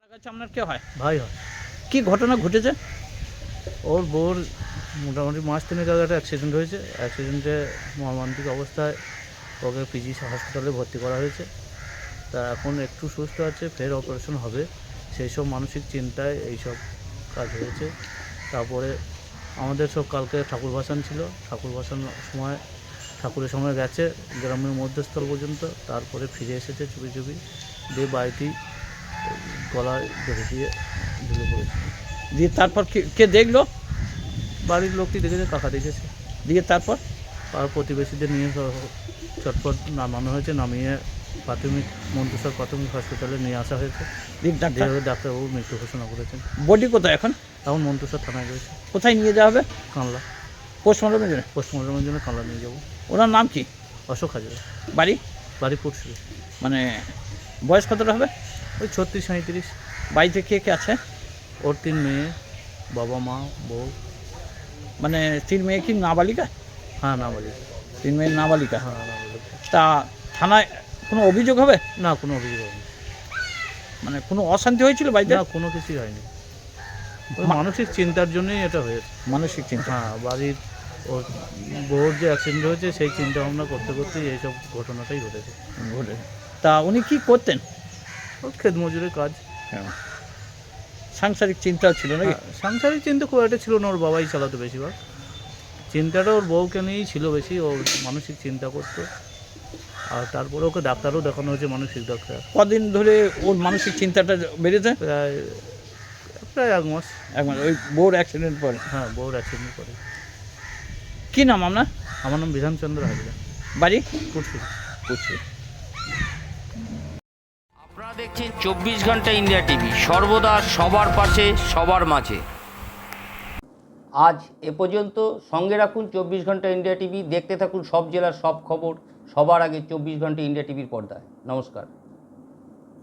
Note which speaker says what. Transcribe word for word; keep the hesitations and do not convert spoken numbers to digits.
Speaker 1: আপনার কে হয়?
Speaker 2: ভাই হয়।
Speaker 1: কি ঘটনা ঘটেছে?
Speaker 2: ওর বউর মোটামুটি মাস তিনেক আগে একটা অ্যাক্সিডেন্ট হয়েছে। অ্যাক্সিডেন্টে মর্মান্তিক অবস্থায় ওকে পিজি হসপিটালে ভর্তি করা হয়েছে। তা এখন একটু সুস্থ আছে, ফের অপারেশন হবে। সেই সব মানসিক চিন্তায় এইসব কাজ হয়েছে। তারপরে আমাদের সব কালকে ঠাকুর ভাসান ছিল। ঠাকুর ভাসানোর সময় ঠাকুরের সময় গেছে গ্রামের মধ্যস্থল পর্যন্ত, তারপরে ফিরে এসেছে চুপি চুপি, দিয়ে বাড়িতেই গলায় ধরে দিয়ে ঢুকে পড়েছে।
Speaker 1: দিয়ে তারপর কে কে দেখলো?
Speaker 2: বাড়ির লোকটি দেখেছে, কাকা দেখেছে।
Speaker 1: দিয়ে তারপর
Speaker 2: আর প্রতিবেশীদের নিয়ে চটপট নামানো হয়েছে, নামিয়ে প্রাথমিক মন্তেশ্বর প্রাথমিক হসপিটালে নিয়ে আসা হয়েছে।
Speaker 1: দিয়ে ডাক্তার
Speaker 2: যেভাবে ডাক্তারবাবু মৃত্যু ঘোষণা করেছেন।
Speaker 1: বডি কোথায় এখন?
Speaker 2: এখন মন্তেশ্বর থানায় রয়েছে।
Speaker 1: কোথায় নিয়ে যাওয়া হবে?
Speaker 2: কানলা
Speaker 1: পোস্টমর্টমের জন্য?
Speaker 2: পোস্টমর্টমের জন্য কানলা নিয়ে যাবো।
Speaker 1: ওনার নাম কি?
Speaker 2: অশোক হাজার।
Speaker 1: বাড়ি?
Speaker 2: বাড়ি পুরসুরি।
Speaker 1: মানে বয়স কতটা হবে?
Speaker 2: ওই ছত্রিশ সাঁইত্রিশ।
Speaker 1: বাড়িতে কে কে আছে?
Speaker 2: ওর তিন মেয়ে, বাবা মা বউ।
Speaker 1: মানে তিন মেয়ে কি নাবালিকা?
Speaker 2: হ্যাঁ নাবালিকা।
Speaker 1: তিন মেয়ে নাবালিকা।
Speaker 2: হ্যাঁ নাবালিকা।
Speaker 1: তা থানায় কোনো অভিযোগ হবে?
Speaker 2: না, কোনো অভিযোগ হয়নি।
Speaker 1: মানে কোনো অশান্তি হয়েছিল বাড়িতে?
Speaker 2: না, কোনো কিছুই হয়নি। ওই মানসিক চিন্তার জন্যই এটা হয়েছে।
Speaker 1: মানসিক চিন্তা?
Speaker 2: হ্যাঁ, বাড়ির ওর বউর যে অ্যাক্সিডেন্ট হয়েছে সেই চিন্তা ভাবনা করতে করতেই এইসব ঘটনাটাই ঘটেছে।
Speaker 1: ঘটে। তা উনি কি করতেন?
Speaker 2: ওর ক্ষেত মজুরের কাজ।
Speaker 1: হ্যাঁ। সাংসারিক চিন্তাও ছিল নাকি?
Speaker 2: হ্যাঁ, সাংসারিক চিন্তা খুব একটা ছিল না, ওর বাবাই চালাতো বেশিরভাগ। চিন্তাটা ওর বউকে নিয়েই ছিল বেশি, ও মানসিক চিন্তা করতো। আর তারপরে ওকে ডাক্তারও দেখানো হয়েছে, মানসিক ডাক্তার।
Speaker 1: কদিন ধরে ওর মানসিক চিন্তাটা বেড়েছে?
Speaker 2: প্রায় প্রায় এক মাস।
Speaker 1: একবার ওই বউর অ্যাক্সিডেন্ট পরে?
Speaker 2: হ্যাঁ, বউর অ্যাক্সিডেন্ট করে।
Speaker 1: কী নাম আপনার?
Speaker 2: আমার নাম বিধানচন্দ্র হাজরা।
Speaker 1: বাড়ি?
Speaker 2: পুরসুরি।
Speaker 1: পুরসুরি।
Speaker 3: আপনারা দেখছেন চব্বিশ ঘন্টা ইন্ডিয়া টিভি, সর্বদা সবার পাশে সবার মাঝে। আজ এ পর্যন্ত। সঙ্গে রাখুন চব্বিশ ঘন্টা ইন্ডিয়া টিভি, দেখতে থাকুন সব জেলার সব খবর সবার আগে চব্বিশ ঘন্টা ইন্ডিয়া টিভির পর্দায়। নমস্কার।